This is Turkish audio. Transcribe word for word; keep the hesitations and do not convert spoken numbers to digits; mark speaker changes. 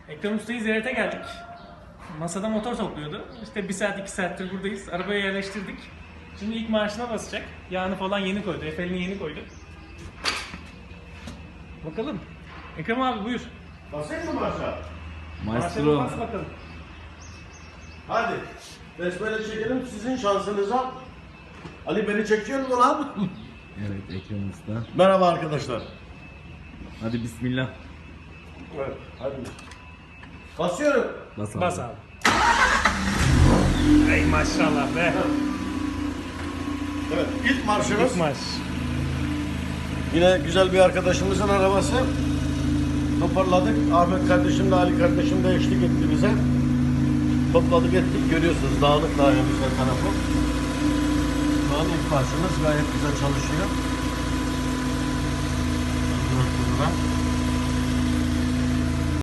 Speaker 1: Ekrem Usta'yı ziyarete geldik. Masada motor topluyordu. İşte bir saat iki saattir buradayız. Arabaya yerleştirdik. Şimdi ilk marşına basacak. Yağını falan yeni koydu. Efelini yeni koydu. Bakalım. Ekrem abi buyur.
Speaker 2: Basayım mı başa?
Speaker 1: Marşına
Speaker 3: Maestro.
Speaker 1: bas bakalım.
Speaker 2: Hadi. Besmele çekelim sizin şansınıza. Ali beni çekiyor mu lan?
Speaker 3: Evet, Ekrem Usta.
Speaker 2: Merhaba arkadaşlar.
Speaker 3: Hadi bismillah.
Speaker 2: Evet, hadi. Basıyorum.
Speaker 3: Bas abi.
Speaker 1: Bas abi. Ey maşallah be.
Speaker 2: Evet, ilk marşımız.
Speaker 1: İlk marş.
Speaker 2: Yine güzel bir arkadaşımızın arabası. Toparladık. Ahmet kardeşim de Ali kardeşim de eşlik etti bize. Topladık ettik. Görüyorsunuz dağınık daha güzel tarafı. Şu an ilk marşımız gayet güzel çalışıyor. Ondan sonra